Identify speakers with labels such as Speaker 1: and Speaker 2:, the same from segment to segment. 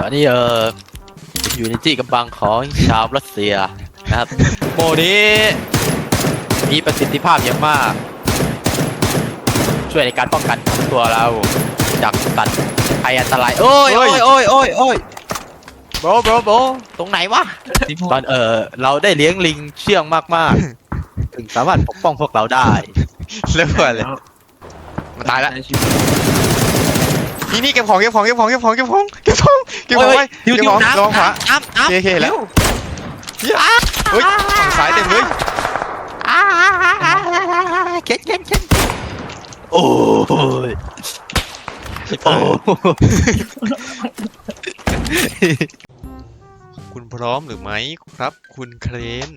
Speaker 1: อันนี้อยู่ในที่กำบังของชาวรัสเซียนะครับโมนี้มีประสิทธิภาพอย่างมาก ช่วยในการป้องกันตัวเราจากสัตว์ภัยอันตรายโอ้ยโบตรงไหนวะตอนเราได้เลี้ยงลิงเชื่องมากๆถึงสามารถปกป้องพวกเราได้
Speaker 2: เลิกก่อนเลยมันตายแล้วนี่เก็บของไว้เก็บของไว้ระวังขวา
Speaker 1: น้ำ
Speaker 2: โอเคแล้วเฮ้ยฝั่งซ้ายเต็มเลย
Speaker 1: เข็นโอ้ย
Speaker 2: คุณพร้อมหรือไม่ครับคุณเครน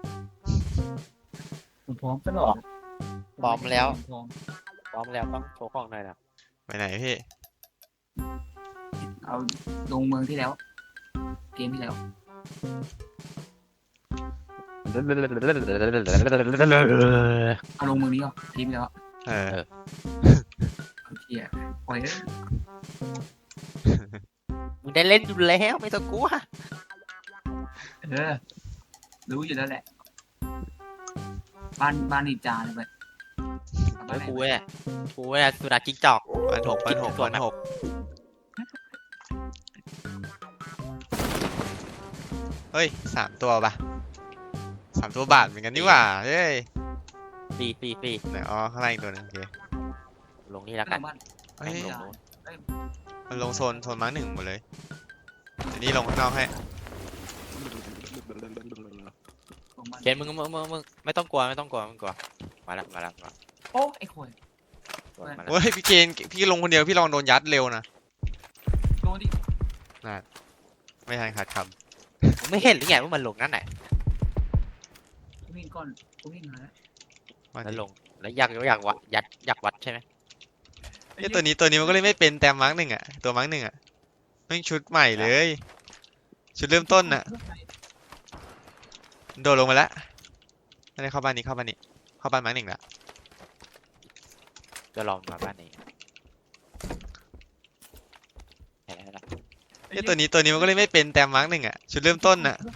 Speaker 3: พร้อมตลอด
Speaker 1: พร้อมแล้วต้องโชว์ของหน่อยนะ
Speaker 2: ไปไหนพี่
Speaker 3: เอาลงเมืองที่แล้วเกมที่แล้วเอาลงเมืองนี้ก่อนเกมที่แล้วเฮียปล่อยเลย
Speaker 1: มึงได้เล่นอยู่แล้วไม่ต้องกลัว
Speaker 3: รู้อยู่แล้วแหละบ้านนินจาเลยไป
Speaker 1: กูเนี่ยสุนัขจิ้งจอก
Speaker 2: ปันหกเฮ้ย3 ตัวป่ะ3 ตัวบาทเหมือนกันนี่หว่าเฮ้ย
Speaker 1: ฟรี
Speaker 2: ไหนอ๋อข้างล่างอีกตัวนึงโอเค
Speaker 1: ลงนี่แล้วกัน
Speaker 2: เฮ้ย
Speaker 1: ลง
Speaker 2: มันลงโซนมาร์ค 1หมดเลยเดี๋ยวนี้ลงข้างนอกให้
Speaker 1: เขียนมึงไม่ต้องกลัวมาแล้ว
Speaker 3: โอ้ไอ้คน
Speaker 2: เฮ้ยพี่เกณฑ์พี่ลงคนเดียวพี่ลองโดนยัดเร็วนะ
Speaker 3: โดนดิ
Speaker 2: ไม่ทันขาดค
Speaker 1: ผมไม่เห็นหรือไงว่ามันลงนั่นไหน
Speaker 3: วิ่งก่อนวิ่งมาแล้ว
Speaker 2: ำ
Speaker 1: แล้วลงแล้วอยากวัดใช่ไหม
Speaker 2: ตัวนี้มันก็เลยไม่เป็นแต่มาร์ค 1อ่ะตัวมาร์ค 1อ่ะแม่งชุดใหม่เลยชุดเริ่มต้นน่ะโดดลงมาแล้วไม่ได้เข้าบ้านมาร์ค 1แล้ว
Speaker 1: จะลองมาบ้านนี้
Speaker 2: ตัวนี้มันก็เลยไม่เป็นแต่มาร์ค 1อ่ะชุดเริ่มต้นน่ะ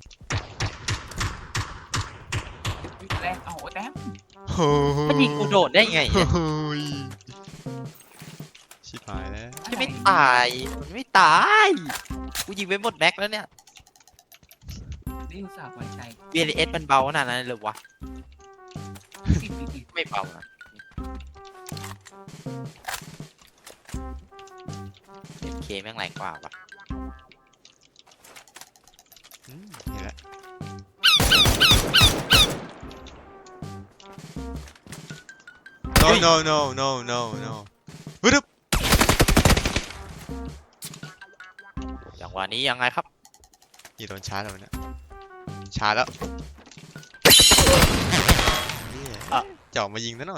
Speaker 3: แรงเอาแต้ม
Speaker 1: มันยิงกูโดดได้ไง
Speaker 2: ชิบหายแล้ว
Speaker 1: จะไม่ตายกูยิงไปหมดแม็กแล้วเนี่ย
Speaker 3: นี่อุตส่าห์ไว้ใจ
Speaker 1: VLS มันเบาขนาดนั้นเลยวะไม่เบานะเคแม่งแรงกว่าวะ
Speaker 2: เห็นแล้วno ปึ๊บ
Speaker 1: อย่างวันนี้ยังไงครับ
Speaker 2: โดนชาร์จแล้วเนี่ยชาร์จแล้วจ่อมายิงซะหน่อย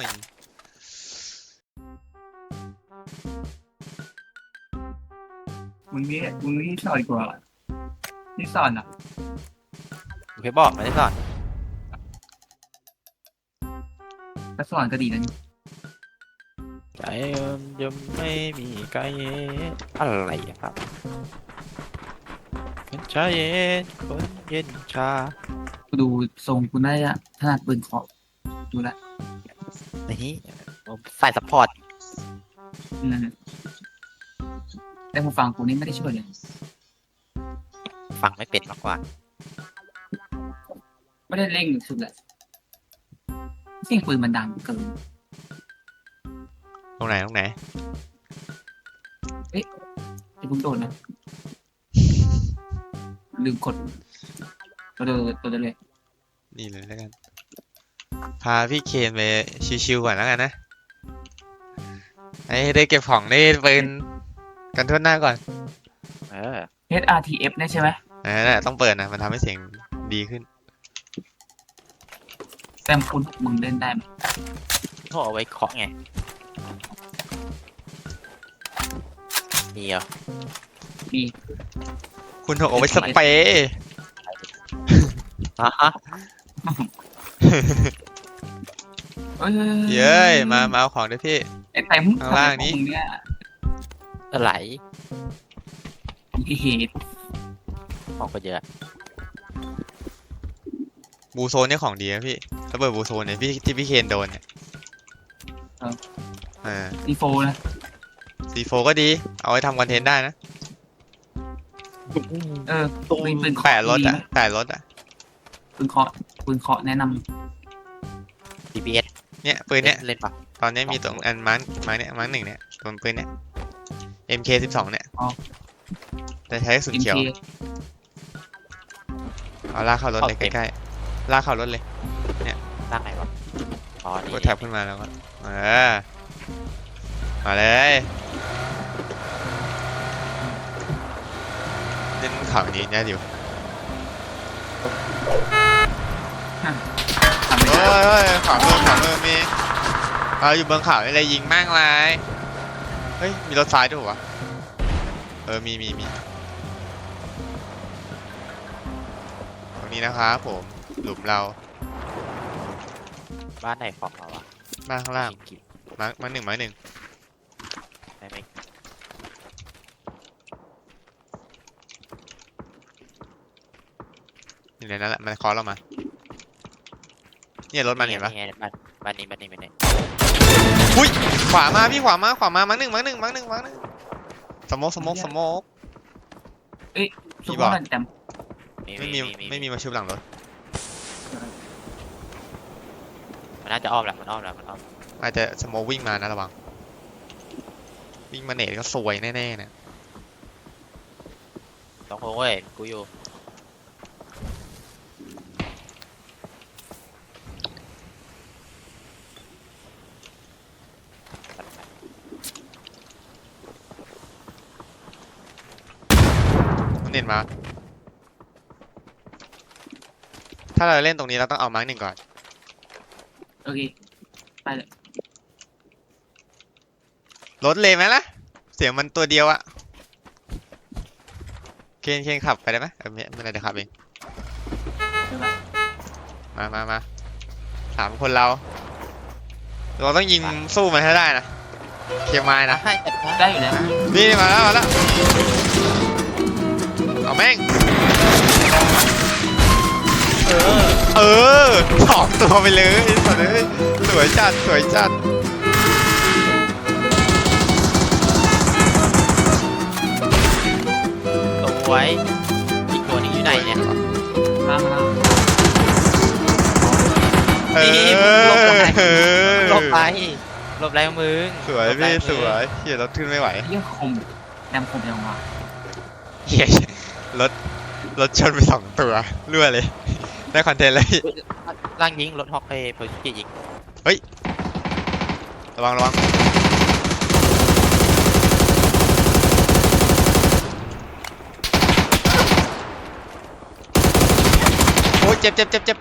Speaker 3: มึงนี่สอนกว่านี่สอนอ่ะ
Speaker 1: โอเคบอกไม่ได้สอน
Speaker 3: ถ้าสอนก็ดีนะนี่
Speaker 1: ใจยังไม่มีไกลอะไรอะครับคนใจเย็นคนเย็นชา
Speaker 3: กูดูทรงกูน่าจะถนัดปืนเคาะดูละ
Speaker 1: นี่ผมใส่ซัพพอร์ต
Speaker 3: นั่นแต่หูฟังกูนี่ไม่ได้ช่วยเลย
Speaker 1: ฟังไม่เป็นมากกว่า
Speaker 3: ไม่ได้เร่งสุดแหละเสียงปืนมันดังเกิน
Speaker 2: ตรงไหน
Speaker 3: ไอ้ผมโดนนะลืมกดตัวเดินเลย
Speaker 2: นี่เลยแล้วกันพาพี่เคนไปชิวๆก่อนแล้วกันนะได้เก็บของได้ปืนกันทั่วหน้าก่อน
Speaker 3: HRTF เนี่ยใช่ไหม
Speaker 2: นั่นแหละต้องเปิดนะมันทำให้เสียงดีขึ้น
Speaker 3: แต่คุณมึงเล่นได้ไหม
Speaker 1: เขาเอาไว้เคาะไงนี่เหรอ
Speaker 3: มี
Speaker 2: คุณเอาไว้สเปรย์
Speaker 1: ฮะ
Speaker 2: เย้ยมาเอาของด้วยพี่
Speaker 3: ไอ้เต็ม
Speaker 2: ข้างล่างนี้
Speaker 3: มึงเนี่ย
Speaker 1: อะไร
Speaker 3: ไอ้เหตุ
Speaker 1: ของก็เยอะ
Speaker 2: บูโซนเนี่ยของดีนะพี่ระเบิดบูโซนเนี่ยพี่ที่พี่เคนโดนเนี่ย
Speaker 3: ดีโฟนะ
Speaker 2: C4 ก็ดีเอาไว้ทำคอนเทนต์ได้นะ
Speaker 3: เออปืนเคาะ
Speaker 2: แปะรถ
Speaker 3: ดี
Speaker 2: อ่ะ
Speaker 3: ไหม
Speaker 2: แปะรถอ่ะ
Speaker 3: ปืนเคาะแนะน
Speaker 1: DPS
Speaker 2: เนี่ยปืนเนี่ย
Speaker 1: เล่นปะ
Speaker 2: ตอนนี้มีตรงอันมาร์คเนี่ยมาร์คหนึ่งเนี่ยตัวปืนเนี่ย MK12 เนี่ยแต่ใช้กระสุน
Speaker 3: ำ
Speaker 2: เขียว
Speaker 3: MK
Speaker 2: เอาลากเข้ารถเลยใกล้ๆลากเข้ารถเลย
Speaker 1: ตั้งไหนวะอ๋อนี่
Speaker 2: กดแท็บขึ้นมาแล้วก็มาเลยเล่นข่าวนี้เนี่ยดิว
Speaker 3: ทำไม่
Speaker 2: เฮ้
Speaker 3: ได้
Speaker 2: ยขวามือมีอยู่บนเขาอะไรยิงแม่งเลยเฮ้ยมีรถซ้ายด้วยวะมีตรงนี้นะครับผมหลุมเรา
Speaker 1: บ้านไหนของเราวะ
Speaker 2: บ้านข้างล่าง
Speaker 1: กิน
Speaker 2: มาร์คหนึ่ง
Speaker 1: ได้ไหม
Speaker 2: อยู่ในนั้นแหละมันเคอเรามาเนี่ยรถมันเห็นปะ
Speaker 1: ไงบ้านนี้
Speaker 2: อุ้ยขวามาพี่ขวามามาร์คหนึ่งสโมก
Speaker 3: สุ
Speaker 2: พี่
Speaker 3: ภ
Speaker 2: บอก
Speaker 3: าพแต่
Speaker 2: ไม่มีมาชุบหลังรถ
Speaker 1: มันน่าจะอ้อมแหละมันอ้อม
Speaker 2: อาจจะสโมกวิ่งมานะระวังวิ่งมาเนตก็สวยแน่ๆเนี่ย
Speaker 1: ต้องโค้งเว้ยกูอยู่
Speaker 2: มันเนตมาถ้าเราเล่นตรงนี้เราต้องเอามาร์คหนึ่งก่อน
Speaker 3: โอเคไปเลย
Speaker 2: รถเลยไหมล่ะเสียงมันตัวเดียวอะเคนขับไปได้ไหมไม่เป็นไรเดี๋ยวขับเอง
Speaker 3: เดี๋ยวไป
Speaker 2: มาสามคนเราต้องยิงสู้มันให้ได้นะเคียงไม้นะ
Speaker 1: ให้จัดการ
Speaker 3: ได้อยู่แล้ว
Speaker 2: นี่มาแล้วเอาแม่งสองตัวไปเลยสัตว์เอ้ยสวยจัด
Speaker 1: สวยอีกตัวหนึงอยู่ไหนเนี่ย
Speaker 3: ล่าง
Speaker 1: หลบไปมึง
Speaker 2: สวยพี่สวยเฮียรถขึ้นไม่ไหว
Speaker 3: เยี่ยคมแรมคมยังวะ
Speaker 2: เฮียรถชนไปสองตัวรั่วเลยได้คอนเทนต์เลย
Speaker 1: ล่างยิงรถฮอกเพย์เพอร์ชิยิง
Speaker 2: ระวังโอ้ยเจ็บ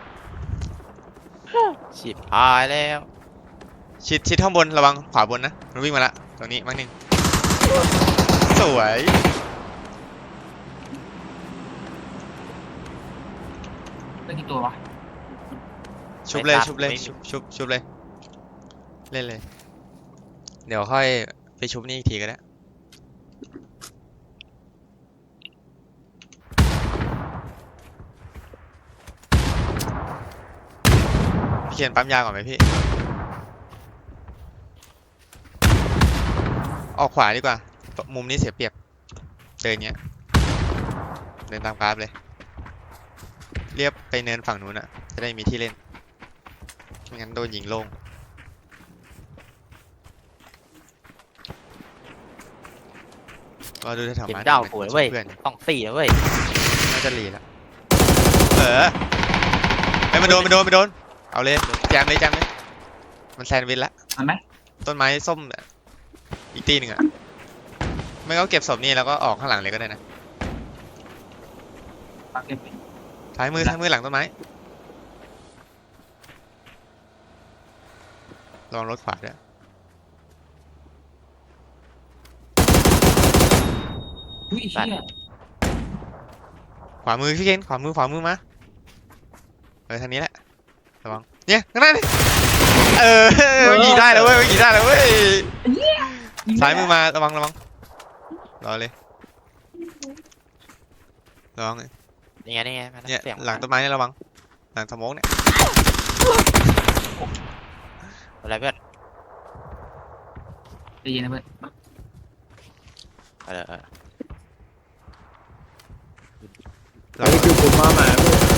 Speaker 1: ฉีดหายแล้ว
Speaker 2: ชิดข้างบนระวังขวาบนนะมันวิ่งมาละตรงนี้มั้งหนึ่งสวย
Speaker 3: ได้กี่ตัววะ
Speaker 2: ชุบเลยชุบเลยเล่นเลยเดี๋ยวค่อยไปชุบนี่อีกทีก็ได้พี่เขียนปั๊มยาก่อนไหมพี่ออกขวาดีกว่ามุมนี้เสียเปรียบเดินเนี้ยเดินตามกราฟเลยเรียบไปเนินฝั่งนู้นอะจะได้มีที่เล่นไม่งั้นโดนยิงโล่งก็ดูแถว
Speaker 1: เห็น
Speaker 2: ๆมา
Speaker 1: ดาวโหยเว้ย
Speaker 2: เพื่อน
Speaker 1: ต้อง4นะเว้ย
Speaker 2: น่าจะรีแล้วไอ้ยมันโดนเอาเลยแจมเลยมันแซนด์วิชละ
Speaker 3: มันไหม
Speaker 2: ต้นไม้ส้มอีกตีหนึ่งอะไม่ก็เก็บศพนี่แล้วก็ออกข้างหลังเลยก็ได้นะ
Speaker 3: ปากเก็บไป
Speaker 2: ท้ายมือหลังต้นไม้ลองรถขวาด้วย
Speaker 3: อุ้ยเชี่ย
Speaker 2: ขวามือพี่เคนขวามือมาทางนี้แหละระวังเนี่ยข้างหน้านี่ยิงได้แล้วเว้ยซ้ายมือมาระวังรอเลยระวัง
Speaker 1: นี่ไงนี่ไงมาแล้ว
Speaker 2: เนี่ย
Speaker 1: เสียง
Speaker 2: หลังต้นไม้เนี่ยระวังหลังสโมกเนี่ย
Speaker 1: อะไรเพื่อน
Speaker 3: ใจเย็นนะเพื่อน
Speaker 1: เออ
Speaker 2: เรา
Speaker 4: นี่คือผมมาหมา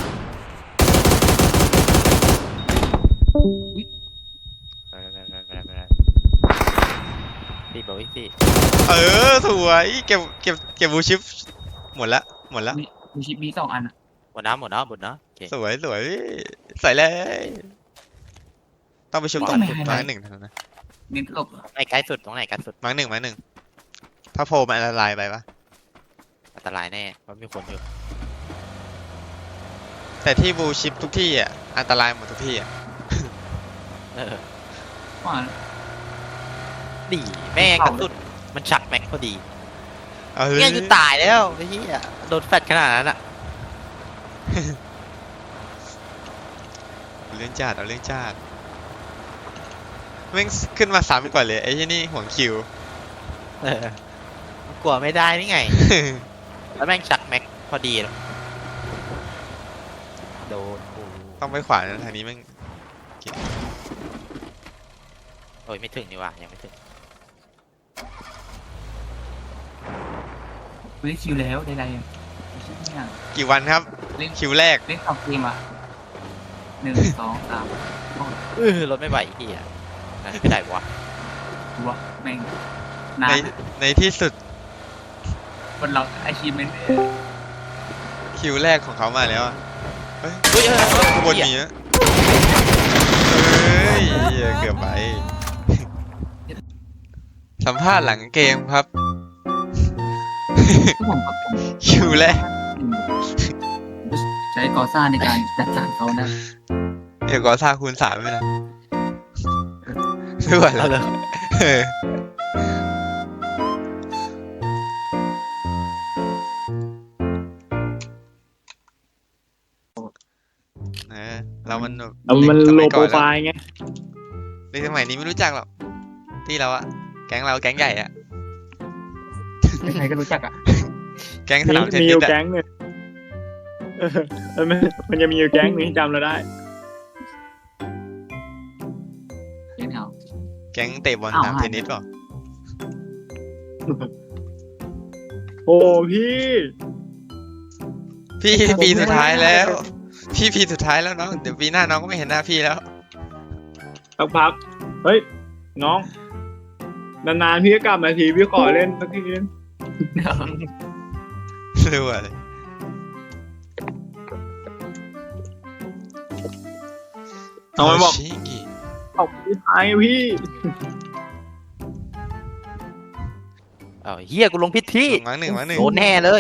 Speaker 4: พี่
Speaker 1: สี่บอกว่าสี่
Speaker 2: สวยเก็บบูชิปหมดละ
Speaker 3: มีชิปมี2 อันอ่ะ
Speaker 1: หมดน้ำโอเค
Speaker 2: สวยใส่เลยต้องไปชุบตรงมาร์คหนึ่งเท่านั้นนะ
Speaker 3: เน้นหลบ
Speaker 1: ไอ้ใกล้สุดตรงไหนใกล้สุด
Speaker 2: มาร์คหนึ่งถ้าโผล่มันละลายไปปะ
Speaker 1: อันตรายแน่เพราะมีคนอยู่
Speaker 2: แต่ที่บูชิปทุกที่อ่ะอันตรายหมดทุกที่อ่ะ
Speaker 1: เออ
Speaker 3: ว่า
Speaker 1: ดีแม่งกระสุนมันฉักแม็กพอดี
Speaker 2: เอาเล
Speaker 1: เนี่ย
Speaker 2: ย
Speaker 1: จะตายแล้วไอ้เหี้ยโดนแฟดขนาดนั้นอ่ะ
Speaker 2: เอาเรื่องจัดแม่งขึ้นมา3ก่อนเลยไอ้ที่นี่ห่วงคิว
Speaker 1: เออกลัวไม่ได้นี่ไง แล้วแม่งฉักแม็กพอดีเลยโดนกู
Speaker 2: ต้องไปขวานะทางนี้แม่ง
Speaker 1: โอ้ยไม่ถึงนี่หว่ายังไม่ถึง
Speaker 3: กูได้คิวแล้วได้ไรอ่ะชิปเนี่ย
Speaker 2: กี่วันครับ
Speaker 3: เล่น
Speaker 2: คิวแรก
Speaker 3: เล่น2 เกมอ่ะ1 2 3
Speaker 1: รถไม่ไหวไอ้เหี้ยไม่ได้วะ
Speaker 3: ตัวแม่งนา
Speaker 2: ใน
Speaker 3: น
Speaker 2: ในที่สุด
Speaker 3: คนเราอาชีพเมน
Speaker 2: คิวแรกของเขามาแล้วอะเฮ้ย
Speaker 1: เฮ้ย
Speaker 2: ข้างบนมีอะเฮ้ยเกือบไป สัมภาษณ์หลังเกมครับ
Speaker 3: ผมกับ
Speaker 2: คิวแรก
Speaker 3: ใช้กอซ่าในการจัดสรรเขานะ
Speaker 2: เดี๋ยวก็ซาคูณ3ไปนะไม่ไหว
Speaker 1: เอา
Speaker 2: แล้ว
Speaker 1: เลย
Speaker 2: เออเรามันแบบ
Speaker 4: เอามัน
Speaker 2: ส
Speaker 4: โล
Speaker 2: ย
Speaker 4: โปร
Speaker 2: ก่อน
Speaker 4: ไฟ
Speaker 2: แล้ว
Speaker 4: ล์ไง
Speaker 2: ในสมัยนี้ไม่รู้จักหรอกที่เราอะแก๊งเราแก๊งใหญ่อะ
Speaker 3: ใครก็รู้จักอ่ะ
Speaker 2: แก๊งสนามเทน
Speaker 4: มีอ
Speaker 2: นิส
Speaker 4: ยู่
Speaker 2: อะ
Speaker 4: แก๊งเนี่ยมันจะมีอยู่แก๊งหนึงที่จำเราได้
Speaker 3: เล่นเอา
Speaker 2: แก๊งเตะบอลสนามเทนนิสเปล่า
Speaker 4: โอ้พี่
Speaker 2: พี่ปีสุดท้ายแล้ว พี่ปีสุดท้ายแล้วน้องเดี๋ยวปีหน้าน้องก็ไม่เห็นหน้าพี่แล้ว
Speaker 4: สักพักเฮ้ย น้อง นานๆพี่ก็กลับมาทีพี่ขอเล่นสักทีนึง
Speaker 2: รู้อะไร
Speaker 4: เอามันบอก
Speaker 2: ชิงิ
Speaker 4: ออกพี่ท้ายพี่
Speaker 1: เอาเหี้ยกูลงพิษที่
Speaker 2: มาร์คหนึ่ง
Speaker 1: โดนแน่เลย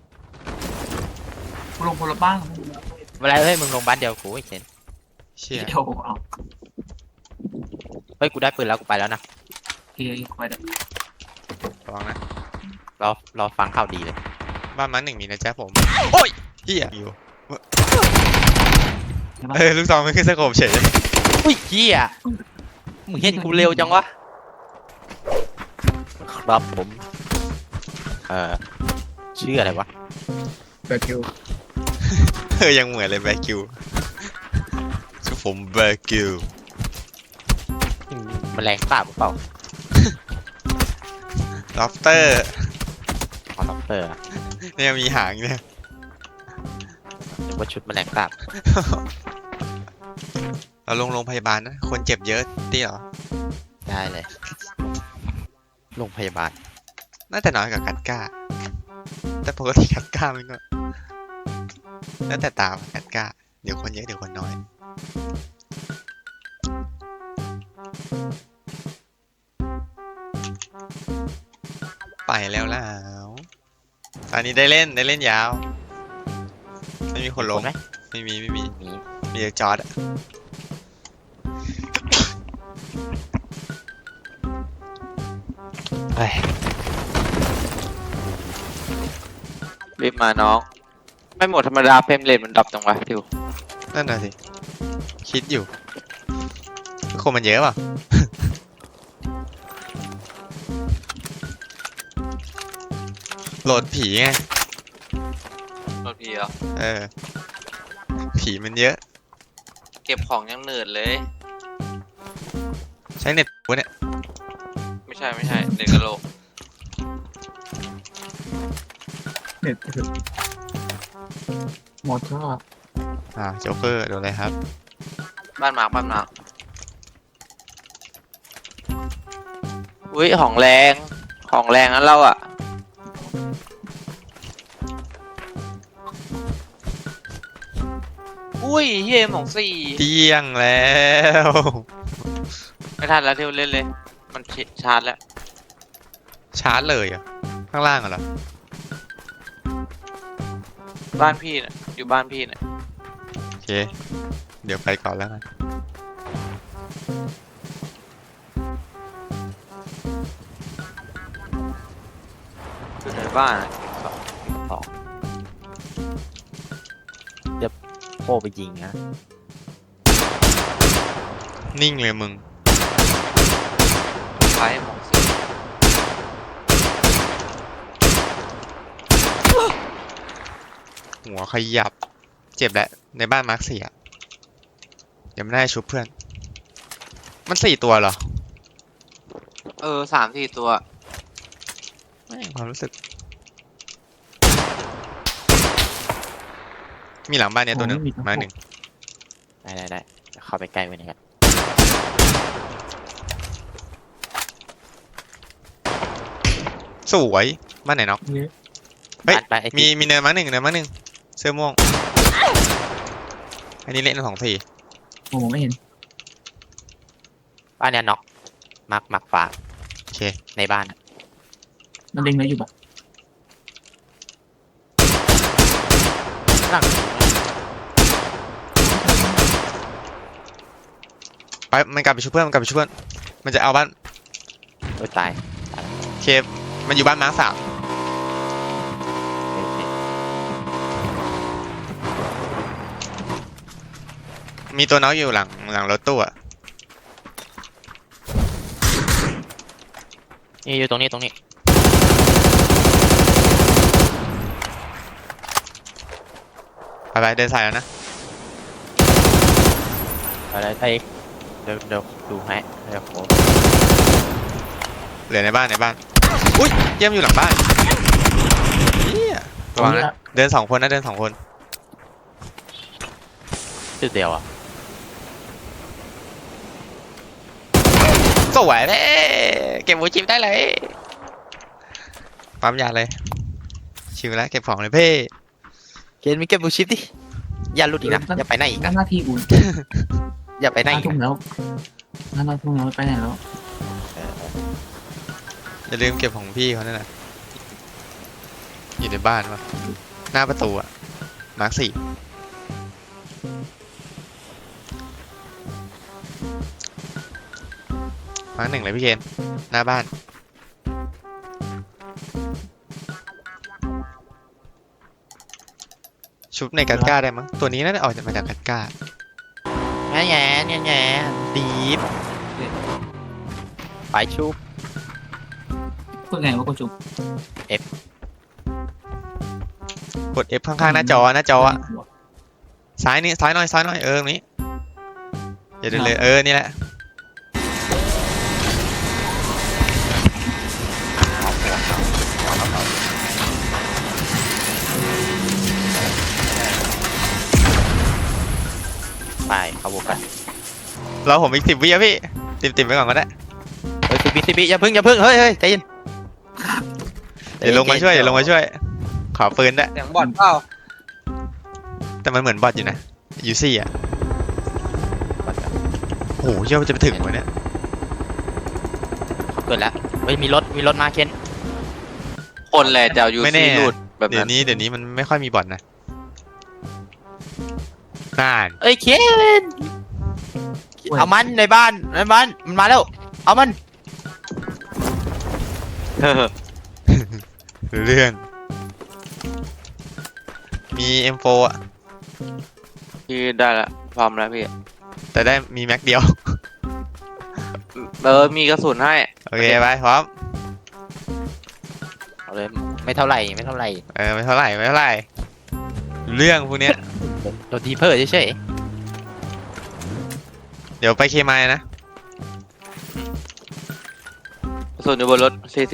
Speaker 3: กูลงคนละบ้าง
Speaker 1: เวลาเฮ้ยมึงลงบ้านเดียวกูไอ้เชน
Speaker 2: เชี่ย
Speaker 3: เดี๋ยวเอา
Speaker 1: เฮ้ยกูได้ปืนแล้วกูไปแล้วนะ
Speaker 3: เกียร์ไปได้
Speaker 2: ระวังนะ
Speaker 1: รอฟังข่าวดีเลย
Speaker 2: บ้านมาร์คหนึ่งมีนะจ๊ะผม โอ้ยเฮียอยู่ลูกซองไม่ขึ้นสโคปเฉยเลย
Speaker 1: อุ้ยเหี้ยมึงเห็นกูเร็วจังวะครับผมชื่ออะไรวะ
Speaker 4: เปิดคิว
Speaker 2: ยังเหมือนเลยแบร์กิวชื่อผมแบร์กิว
Speaker 1: แมลงสาบหรือเปล่า
Speaker 2: ล็อบสเตอร์
Speaker 1: คอนเตอร์
Speaker 2: เนี่ยมีหางเนี่ย
Speaker 1: หรือว่าชุดแมลงสาบ
Speaker 2: เราลงโรงพยาบาลนะคนเจ็บเยอะที่เหรอ
Speaker 1: ได้เลยโรงพยาบาล
Speaker 2: น่าจะน้อยกว่ากัดก้า แต่ปกติกัดก้ามันก็แล้วแต่ตามกัดก้า เดี๋ยวคนเยอะเดี๋ยวคนน้อย ไปแล้วตอนนี้ได้เล่นยาว ไม่มีคนลง
Speaker 1: ไหม
Speaker 2: ไม่มี
Speaker 1: มี
Speaker 2: มีแต่จอร์ดอะ
Speaker 1: เฮ้ย
Speaker 5: รีบมาน้อง ไม่หมดธรรมดาเฟรมเรทมันดรอปจังวะทิว
Speaker 2: นั่นน่ะสิ คิดอยู่คนมันเยอะเปล่ะ โหลดผีไง
Speaker 5: รถพี่เหรอ
Speaker 2: เออ ผีมันเยอะ
Speaker 5: เก็บของยังเหนื่อยเลย
Speaker 2: ใช้เน็ตวะเนี่ย
Speaker 5: ไม่ใช่เด็กกะโหลก
Speaker 3: เน็ตคือมอเตอร์
Speaker 2: โจ๊กเกอร์โดนอะไรครับ
Speaker 5: บ้านหมากอุ้ยของแรงนั้นเราอ่ะอุ้ยเฮียของสี่
Speaker 2: เตี้ยงแล้ว
Speaker 5: ไม่ทันแล้วที่เล่นเลย มันชาร์จแล้ว
Speaker 2: ชาร์จเลยเหรอ่ะ ข้างล่างเหรอ
Speaker 5: บ้านพี่น่ะอยู่บ้านพี่น่ะ
Speaker 2: โอเค เดี๋ยวไปก่อนแล้วกัน
Speaker 5: อยู่ในบ้านน่ะ
Speaker 1: สองเดี๋ยวโค้ไปยิงนะ
Speaker 2: นิ่งเลยมึง
Speaker 5: ใช้ของสี่
Speaker 2: หัวขยับ เจ็บแหละ ในบ้านมาร์ค4อ่ะยังไม่ได้ชุบเพื่อน มัน4ตัวเหรอ
Speaker 5: 3-4 ตัว
Speaker 2: ไม่ความรู้สึก มีหลังบ้านเนี้ยตัวหนึ่งมาหนึ่ง
Speaker 1: ได้เดี๋ยวเข้าไปใกล้ไว้หนะครับ
Speaker 2: สวยบ้านไหนน็อก
Speaker 3: เนี่ย
Speaker 2: เฮ้ย
Speaker 1: ไปไอ้
Speaker 2: มีเนินมาหนึ่งเสื้อม่วง อันนี้เล่น2 4
Speaker 3: โอ้โหไม่เห็น
Speaker 1: บ้านเนี้ยน็อกมักฝาก
Speaker 2: โอเค
Speaker 1: ในบ้านอะ
Speaker 3: มันเล็งแล้วอยู่ปะ
Speaker 1: หลัง
Speaker 2: ไปมันกลับไปชุบเพื่อนมันจะเอาบ้าน
Speaker 1: โอ้ยตาย
Speaker 2: โอเคมันอยู่บ้านมาร์ค3
Speaker 1: โอเค
Speaker 2: มีตัวน้องอยู่หลังรถตู้อะ
Speaker 1: นี่อยู่ตรงนี้
Speaker 2: ไปเดินสายแล้วนะ
Speaker 1: อะไรไปเดี๋ยวดูให้เดี๋ยวโค้
Speaker 2: เหลือในบ้านอุ้ยเยี่ยมอยู่หลังบ้านเฮียระวังนะเดิน2 คนนะ2 คน
Speaker 1: ชื่อเดียวอ่ะ
Speaker 2: สวยเลยเก็บหัวจิมได้เลยปั๊มยาเลยชิวแล้วเก็บของเลยเพ่
Speaker 1: เกณฑ์มีเก็บบูชิปดิอย่าหลุดอีกนะอย่าไปไหนอีกนะ
Speaker 3: หน้าที่อุ่น
Speaker 1: อย่าไปไหนอีก
Speaker 3: ทุ่ม
Speaker 1: นะ
Speaker 3: แล้วหน้าทุ่มแล้วไปไหนแล้ว
Speaker 2: อย่าลืมเก็บของพี่เขาด้วยนะอยู่ในบ้านวะหน้าประตูอะมาร์ค4มาร์ค 1เลยพี่เคนหน้าบ้านชุบในกัดก้าได้มั้งตัวนี้น่าจะออกมาจากกัดก้า
Speaker 1: แง่ดีฟไปชุบ
Speaker 3: พูดไงว่ากูจุบ
Speaker 2: กด F ข้างๆหน้าจออะซ้ายหน่อยตรงนี้อย่าเดินเลยนี่แหละ
Speaker 1: ไปเข้าวงกัน
Speaker 2: เราผมอีก10 วิอะพี่ติดไปก่อนก็ได้
Speaker 1: เฮ้ยสิบิอย่าพึ่งเฮ้ยใจเย็น
Speaker 2: เดี๋ยวลงมาช่วยขอปืนด้วย
Speaker 5: เสียงบอดเปล่า
Speaker 2: แต่มันเหมือนบอทอยู่นะยูซี่อะโอ้โหเชื่อว่าจะไปถึงวะเนี่ย
Speaker 1: เขาเกิดแล้วเฮ้ยมีรถมาเคน
Speaker 5: คนแหละจะเอายู
Speaker 2: ไม่แน่
Speaker 5: ซีหลุดแบบ
Speaker 2: เดี๋ย
Speaker 5: นั้
Speaker 2: วน นี้มันไม่ค่อยมีบอทนะน่าน
Speaker 1: เอ้ยเคนเอามันในบ้านมันมาแล้วเอามัน
Speaker 2: เรื่องมี M4 อะ
Speaker 5: พี่ได้ละพร้อมแล้วพี่
Speaker 2: แต่ได้มีแม็กเดียว
Speaker 5: มีกระสุนให้
Speaker 2: โอเคไปพร้อม
Speaker 1: เอาเลยไม่เท่าไหร่
Speaker 2: ไม่เท่าไหร่เรื่องพวกเนี้ย
Speaker 1: โดนทีเพิ่เฉย
Speaker 2: เดี๋ยวไปเคมายนะ
Speaker 5: ส่วนอยู่บนรถ40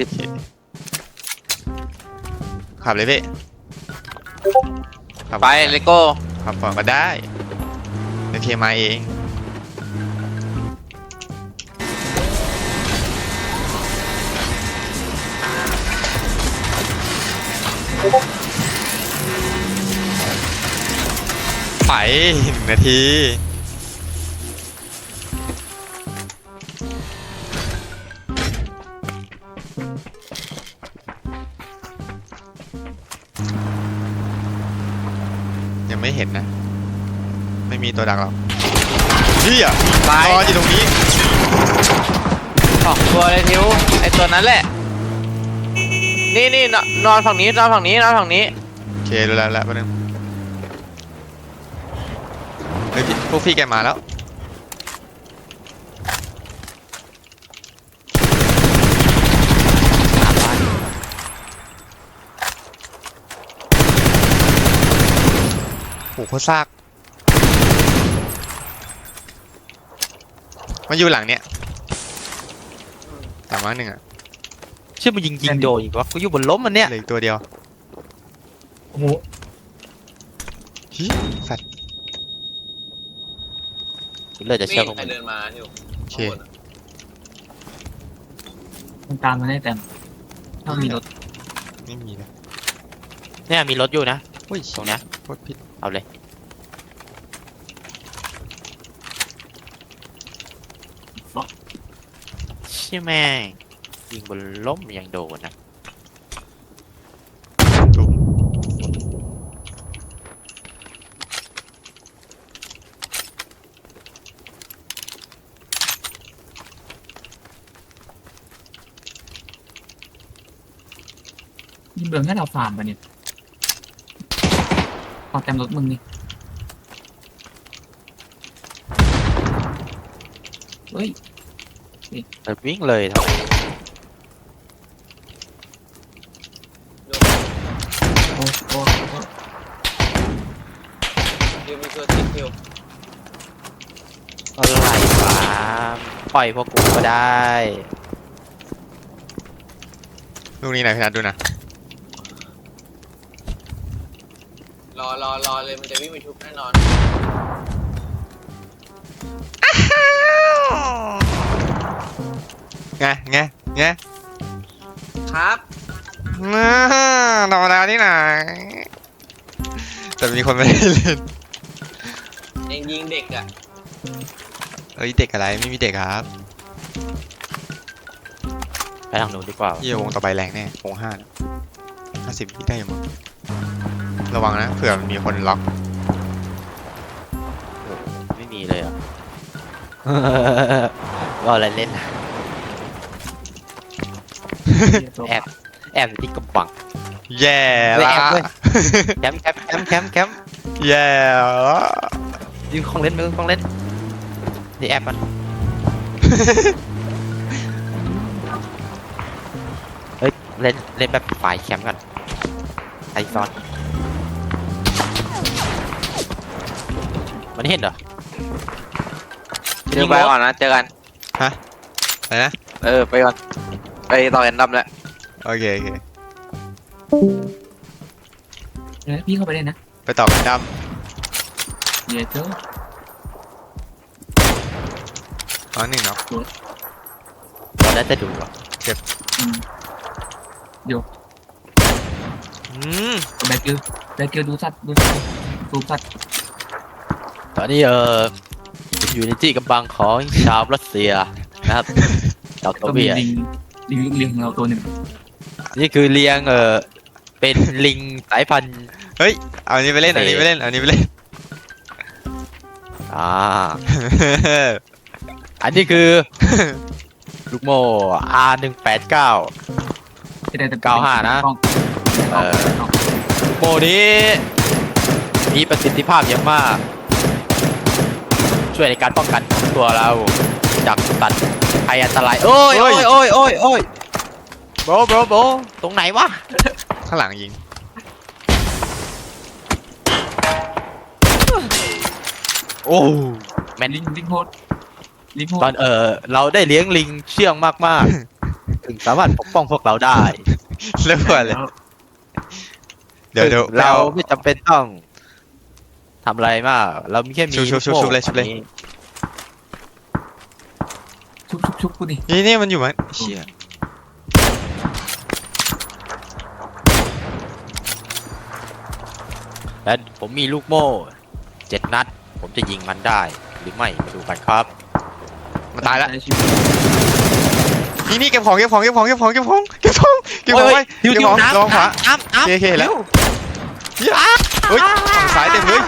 Speaker 2: ขับเลยพี่ขับ
Speaker 5: ไปเลโก้
Speaker 2: ขับก่อนก็ได้เดี๋ยวเคมายเอง ไป1 นาที ยังไม่เห็นนะ ไม่มีตัวดักหรอกนี่อ่ะ
Speaker 5: ไป
Speaker 2: นอนอยู่ตรงนี้
Speaker 5: 2 ตัวเลยทิวไอตัวนั้นแหละ นี่นอนฝั่งนี้นอนฝั่งนี้นอนฝั่งนี้
Speaker 2: โอเครู้แล้วแป๊บนึงเฮ้ยพวกพี่แกมาแล้ว โหโคตรซากมาอยู่หลังเนี้ยหลังมา1อ่ะ
Speaker 1: ๆชื่อมันยิงโดนอีกวะกูอยู่บนล้มมันเนี่ย
Speaker 2: เหลืออีกตัวเดียว
Speaker 3: โอ้โห
Speaker 2: ฮิสัตว์
Speaker 1: กูเลยจะเชื่อพวก
Speaker 5: ใคร
Speaker 1: มัน
Speaker 5: เดินมาทิว
Speaker 2: โอเค
Speaker 3: มันตามมาได้แต่ถ้ามีรถ
Speaker 2: ไม่มีนะ
Speaker 1: เนี่ยมีรถอยู่นะ
Speaker 2: อุ้ย
Speaker 1: ตรงเนี้ย
Speaker 2: โคตรผิด
Speaker 1: เอาเลย ใช่แม่งยิงบนล้มยังโดนนะ
Speaker 2: ถูก
Speaker 3: ยิงเบืองให้เราฟาร์มปะเนี่ยพอเต็มรถมึงนี่เฮ้ย
Speaker 1: วิ่งเลยทั้ง
Speaker 3: โอ้โอ้โอ้
Speaker 5: ทิวมีตัวติดทิว
Speaker 1: อะไรวะปล่อยพวกกูก็ได้
Speaker 2: ลูกนี้ไหนพี่นัทดูนะ
Speaker 5: รอเลยมันจะวิ่งไปทุบแน่นอน
Speaker 2: ไง
Speaker 5: ครับ
Speaker 2: ธรรมดาที่ไหนแต่มีคนไม่ได้เล่น
Speaker 5: เองยิงเด็กอ่ะ
Speaker 2: เอ้ยเด็กอะไรไม่มีเด็กครับ
Speaker 1: ไปทางนู้นดีกว่า
Speaker 2: ยี่วงต่อไปแรงแน่วง5นะ50วิได้อยู่มั้งระวังนะเผื่อมันมีคนล็อก
Speaker 1: ไม่มีเลยอ่ะ ว่าอะไรเล่นนะแอบอยู่ที่กำบัง
Speaker 2: แย่
Speaker 1: เฮ้ย
Speaker 2: ละ
Speaker 1: แอบเว้ย แคมป์
Speaker 2: แย่ละ
Speaker 1: ยิงของเล่นมือของเล่นนี่แอบมัน เฮ้ยเล่นแบบฝ่ายแคมป์กันไอซอนมันเห็นเหรอ
Speaker 5: เจอไปก่อนนะเจอกัน
Speaker 2: อะไรนะ
Speaker 5: ไปก่อนไปต่อแอนดัมแล้ว
Speaker 2: โอเค
Speaker 3: เดี๋ยวพี่เข้าไปเลยนะ
Speaker 2: ไปต่อกันด
Speaker 3: เดี๋ยวเจ้า
Speaker 2: ำอ๋อ1เนาะ
Speaker 1: ตอนนั้นจะดูอ่ะ
Speaker 3: อืม
Speaker 2: อืม
Speaker 3: แบกเกลดูสัตว์ดูสัตว์
Speaker 1: ตอนนี้อยู่ในที่กำบังของชาวรัสเซียนะครับชาวโซ
Speaker 3: ก็มี
Speaker 1: เวียต
Speaker 3: ลิงของเราตัวหนึ่ง
Speaker 1: นี่คือเลี้ยงเป็นลิงสายพันธุ์
Speaker 2: เอาอันนี้ไปเล่นเอาอันนี้ไปเล่นเอาอันนี้ไปเล่น
Speaker 1: อ่า อันนี้คือ ลูกโม่ R189
Speaker 3: ที่ได้แต่
Speaker 1: 95นะ โม่นี้มีประสิทธิภาพเยอะมาก ช่วยในการป้องกันตัวเราจากสัตว์ภัยอันตราย โอ้ยโบตรงไหนวะ
Speaker 2: ข้างหลังยิง
Speaker 1: โอ้แม่น
Speaker 3: ลิงโหดลิงโหด
Speaker 1: ตอนเราได้เลี้ยงลิงเชื่องมากๆ ถึงสามารถปกป้องพวกเราได้
Speaker 2: เริ่มก่อนเลย เดี๋ยว
Speaker 1: เราไม่จำเป็นต้องทำอะไรมาก เรามีแค่มี
Speaker 2: ชุบเลย
Speaker 3: ชุบกูดิ
Speaker 2: นี่มันอยู่มั้งเชี่ย
Speaker 1: และผมมีลูกโม่7 นัด ผมจะยิงมันได้หรือไม่มาดูกันครับ
Speaker 2: มันตายแล้วนี่เก็บของไว้
Speaker 1: โอ้ย
Speaker 2: เก็บของ
Speaker 1: น้ำ
Speaker 2: ลองขวา
Speaker 1: น้ำ
Speaker 2: โอเคแล้วเฮ้ยฝั่งซ้ายเต็มเลย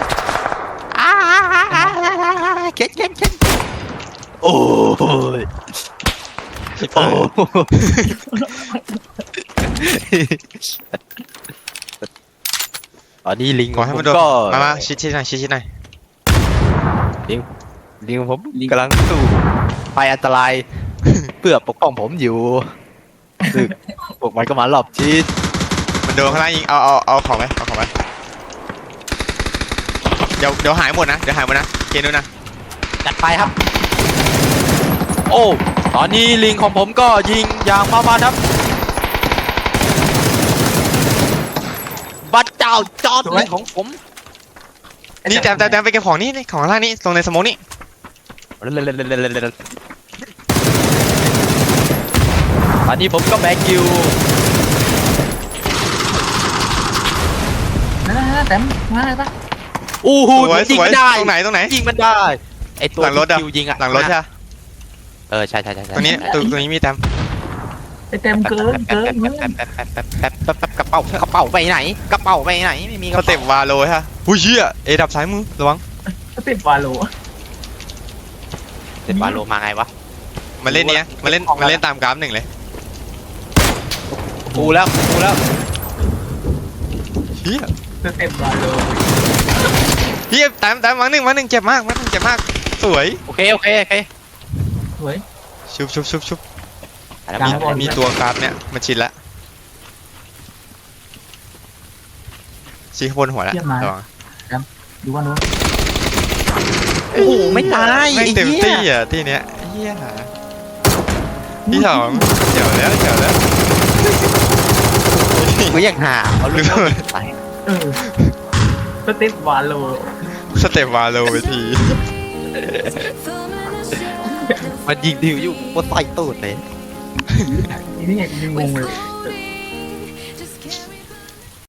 Speaker 1: เข็นโอ้ยโอ้ตอนนี้ลิง
Speaker 2: ขอให้มันโดน
Speaker 1: ก็
Speaker 2: มาชิดหน่อย
Speaker 1: ลิงของผมกำลังสู้ภัยอันตราย เพื่อปกป้องผมอยู่ซึ่งพวกมันก็มารอบชิด
Speaker 2: มันโดนข้างล่างยิงเอาของไปเดี๋ยวหายหมดนะเกณฑ์นู้นนะ
Speaker 1: จัดไปครับ โอ้ตอนนี้ลิงของผมก็ยิงอย่างมามันครับบัดเจ้าจอดลิงของผม
Speaker 2: นี่แต้มไปเก็บของนี่ของข้างล่างนี่ตรงในสโมองนี่
Speaker 1: ตอนนี้ผมก็แบกอยู่
Speaker 3: นั่นแต่มาอะไรปะ
Speaker 1: อู้หู
Speaker 2: ส
Speaker 1: ยิง
Speaker 2: วย
Speaker 1: ไม่ได้
Speaker 2: ตรงไหน
Speaker 1: ยิงมันได้ไอตัว
Speaker 2: หลังรถอะ
Speaker 1: คิวยิงอะ
Speaker 2: หลังรถใช่ปะ
Speaker 1: ใช่
Speaker 2: ตรงนี้มีแต้ม
Speaker 3: ไอเต็มเกินมึง
Speaker 1: แป๊บกระเป๋าไปไหนกระเป๋าไปไหนไม่มีก
Speaker 2: ส
Speaker 1: ระ
Speaker 2: เต็
Speaker 1: เป๋า
Speaker 2: ปวาโลฮะหุ้ยเชี่ยเอดับซ้ายมือระวัง
Speaker 3: เต็มวาโล
Speaker 1: เสร็จวาโลมาไงวะ
Speaker 2: มันเล่นมันเล่นตามกราฟ1เลย
Speaker 1: กูแล้ว
Speaker 2: เชี่ย
Speaker 3: เต็มวาโล
Speaker 2: แต้มมาหนึ่งเจ็บมากสวย
Speaker 1: โอเค
Speaker 3: สวย
Speaker 2: ชุบ
Speaker 1: แล้ว
Speaker 3: กลางบอล
Speaker 2: มีตัวกราฟเนี่ยมันชินละชี้ข้างบนหัวแล้วระวัง
Speaker 3: ดูว่านู้น
Speaker 1: โอ้โหไม่ตาย
Speaker 2: ไม่เต็มที่อ่ะที่เนี้ยเฮียที่สองเจ๋วแล้ว
Speaker 1: กูยังหาเอาลูกไป
Speaker 3: เต็มวาโล
Speaker 2: สเต็ปวาโลไปที
Speaker 1: มันยิงดิวอยู่บนใต้ตูดเลย
Speaker 3: นี่ยังงงเลย